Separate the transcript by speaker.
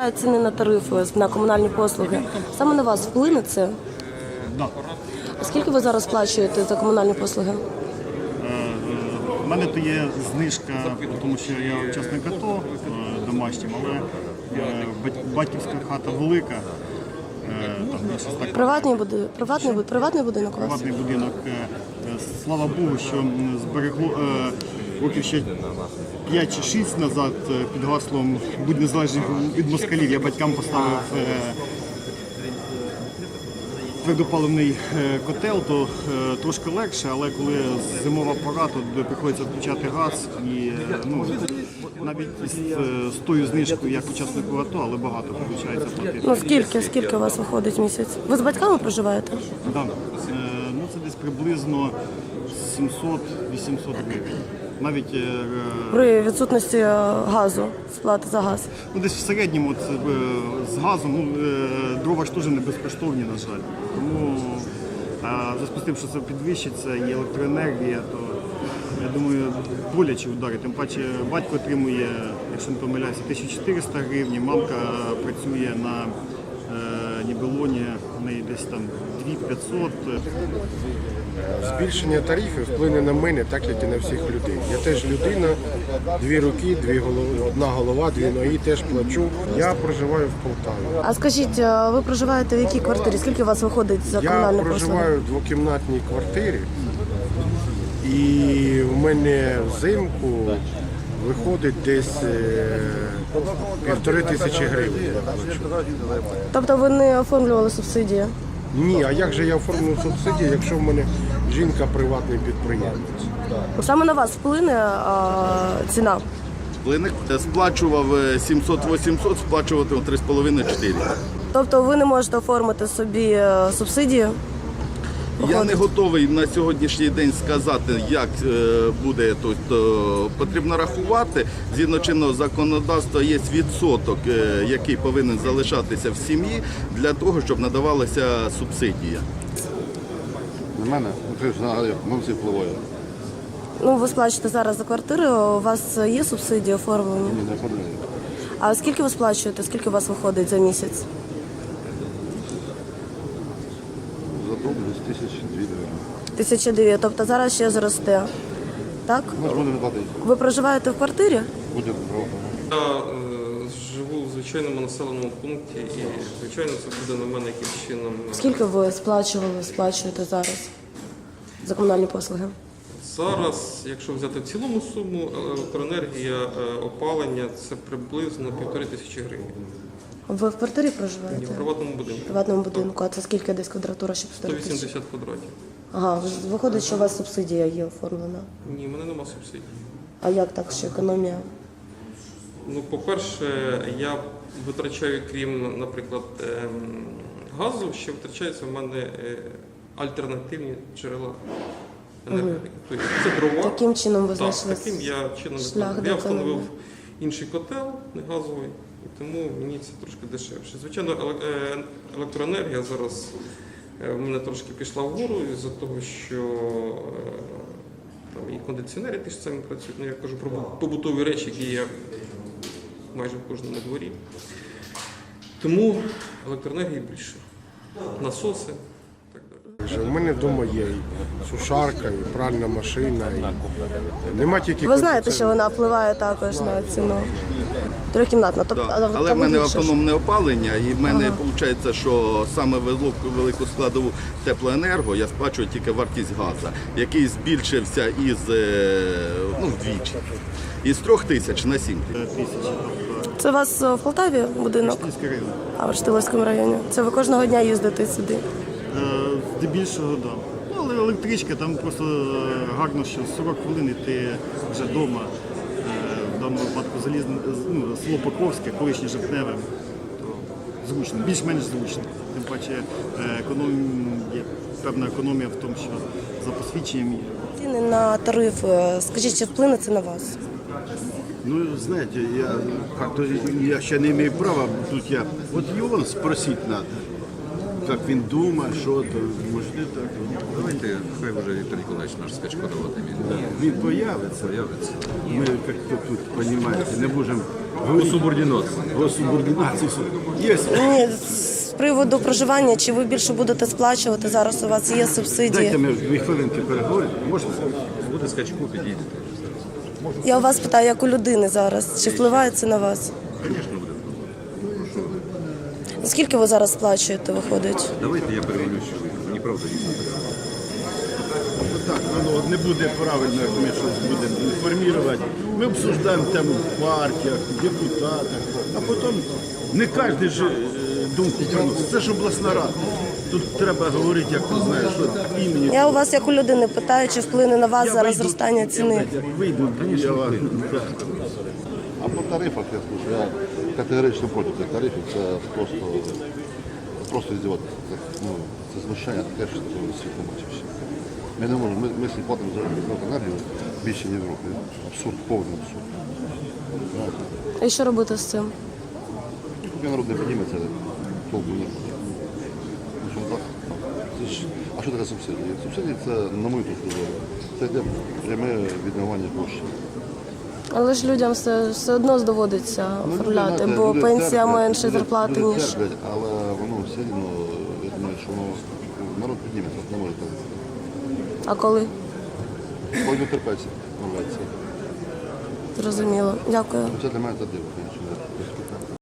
Speaker 1: Ціни на тарифи, на комунальні послуги. Саме на вас вплине це?
Speaker 2: Да.
Speaker 1: А скільки ви зараз сплачуєте за комунальні послуги?
Speaker 2: У мене то є знижка, тому що я учасник АТО домашнім, але батьківська хата велика.
Speaker 1: Приватний будинок у вас?
Speaker 2: Приватний будинок. Слава Богу, що зберегло років ще 5 чи 6 назад під гаслом «Будь незалежним від москалів». Я батькам поставив твердопаливний котел, то трошки легше, але коли зимова пора, то приходиться включати газ і навіть з тою знижкою, як учаснику АТО, але багато виходить платити.
Speaker 1: Скільки у вас виходить в місяць? Ви з батьками проживаєте?
Speaker 2: Так. Це десь приблизно 700-800 гривень. Навіть
Speaker 1: При відсутності газу, сплати за газ.
Speaker 2: Десь в середньому з газом, дрова ж теж не безкоштовні, на жаль. Тому в зв'язку з тим, що це підвищиться і електроенергія, то я думаю, боляче удари. Тим паче батько отримує, якщо не помиляюся, 1400 гривень, мамка працює на Нібелоні, в неї десь там 2500.
Speaker 3: Збільшення тарифів вплине на мене, так як і на всіх людей. Я теж людина, дві руки, одна голова, дві ноги, теж плачу. Я проживаю в Полтаві.
Speaker 1: А скажіть, ви проживаєте в якій квартирі? Скільки у вас виходить за комунальні
Speaker 3: Я
Speaker 1: послуги?
Speaker 3: проживаю в двокімнатній квартирі, і у мене взимку виходить десь 1500 гривень. Я плачу.
Speaker 1: Тобто ви не оформлювали субсидії?
Speaker 3: Ні, а як же я оформлю субсидії, якщо в мене жінка приватний підприємець?
Speaker 1: Саме на вас вплине ціна?
Speaker 4: Вплине. Сплачував 700-800, сплачувати 3,5-4.
Speaker 1: Тобто ви не можете оформити собі субсидію?
Speaker 4: Я не готовий на сьогоднішній день сказати, як буде. Тобто, потрібно рахувати. Згідно чинного законодавства є відсоток, який повинен залишатися в сім'ї для того, щоб надавалася субсидія.
Speaker 5: На мене мовці впливає.
Speaker 1: Ви сплачуєте зараз за квартиру, у вас є субсидії оформлені?
Speaker 5: Ні, не оформляю.
Speaker 1: А скільки ви сплачуєте, скільки у вас виходить за місяць?
Speaker 5: Задоволюсь 1002 гривень.
Speaker 1: 1200, тобто зараз ще зросте, так?
Speaker 5: Може, буде не платити.
Speaker 1: Ви проживаєте в квартирі?
Speaker 5: Буде право.
Speaker 6: Я живу в звичайному населеному пункті і, звичайно, це буде на мене якимось чином.
Speaker 1: Скільки ви сплачуєте зараз за комунальні послуги?
Speaker 6: Зараз, якщо взяти в цілому суму, електроенергія, опалення – це приблизно 1500 гривень.
Speaker 1: Ви в квартирі
Speaker 6: Ні,
Speaker 1: проживаєте?
Speaker 6: в приватному будинку.
Speaker 1: В приватному будинку. А це скільки десь квадратура, щоб
Speaker 6: 180 квадратів.
Speaker 1: Ага, виходить, що у вас субсидія є оформлена.
Speaker 6: Ні, в мене нема субсидій.
Speaker 1: А як так, що економія?
Speaker 6: По-перше, я витрачаю, крім, наприклад, газу, ще витрачаються в мене альтернативні джерела енергії. Тобто це дрова.
Speaker 1: Таким чином ви
Speaker 6: Так,
Speaker 1: знайшли
Speaker 6: таким я чином
Speaker 1: шлях до
Speaker 6: я встановив
Speaker 1: економії.
Speaker 6: інший котел, не газовий, і тому мені це трошки дешевше. Звичайно, електроенергія зараз в мене трошки пішла вгору із-за того, що там і кондиціонери ті ж самі працюють. Я кажу про побутові речі, які є майже в кожному дворі. Тому електроенергії більше. Насоси.
Speaker 3: У мене вдома є і сушарка, і пральна машина. І... Нема тільки
Speaker 1: Ви знаєте, що вона впливає також на ціну? Трьохкімнатна. Тобто,
Speaker 4: Але в мене автономне опалення, і в мене виходить, що саме велику складову теплоенерго я сплачую тільки вартість газу, який збільшився вдвічі. Із 3000 на 7000.
Speaker 1: Це у вас в Полтаві будинок? А в Штиловському районі. Це ви кожного дня їздите сюди?
Speaker 2: Здебільшого, так. Але електричка, там просто гарно, що 40 хвилин і ти вже вдома. В даному випадку село Покровське, колишнє Жовтневе. То зручно, більш-менш зручно. Тим паче є певна економія в тому, що за посвідченням є.
Speaker 1: Ціни на тарифи, скажіть, чи вплине це на вас?
Speaker 5: Знаете, я ще не имею права, тут вот его спросить надо, как він думає, що то, може не так.
Speaker 7: Давайте, хай вже Віктор Ніколаївич наш скачко давати.
Speaker 5: Він появиться. Ми, як то тут, розумієте, не можемо Госубординації. Є.
Speaker 1: Ні, з приводу проживання, чи ви більше будете сплачувати зараз? У вас є
Speaker 5: Дайте
Speaker 1: субсидії?
Speaker 5: ми 2 хвилинки переговоримо. Можна?
Speaker 7: Буде скачку, підійдете.
Speaker 1: Я у вас питаю, як у людини зараз, чи впливає це на вас?
Speaker 7: Звісно, буде.
Speaker 1: Скільки ви зараз сплачуєте, виходить?
Speaker 7: Давайте я перевірю, що ви. Мені правда дійсно.
Speaker 5: Так, воно не буде правильно, як ми щось будемо інформувати. Ми обсуждаємо тему в партіях, в депутатах, а потім не кожен ж думку приносить. Це ж обласна рада. Тут треба говорити, як ти знаєш, що імені.
Speaker 1: Я у вас як у людини питаю, чи вплине на вас зараз зростання ціни?
Speaker 5: Вийду, я вам.
Speaker 8: А по тарифах я скажу, я категорично проти цих тарифів, це просто здіватися. Це знущання таке, що світ не бачив ще. Ми не можемо, ми всі платимо за електроенергію більше, ніж в Європі. Абсурд, повний абсурд.
Speaker 1: І що робити з цим?
Speaker 8: Поки народ не підніметься, толку не буде. Ну, що так? Це ж, а що таке субсидії? Субсидії це, на мою точку зору, це йде пряме відмивання коштів.
Speaker 1: Але ж людям все одно доводиться оформляти,
Speaker 8: знаєте,
Speaker 1: бо
Speaker 8: люди
Speaker 1: пенсія
Speaker 8: терплять,
Speaker 1: менше
Speaker 8: люди
Speaker 1: зарплати, ніж.
Speaker 8: терплять, але воно все одно, я думаю, що воно, народ підніметься, не може так.
Speaker 1: А коли?
Speaker 8: Пойду терпеться, рветься.
Speaker 1: Зрозуміло. Дякую.
Speaker 8: Це для мене це диво, звісно.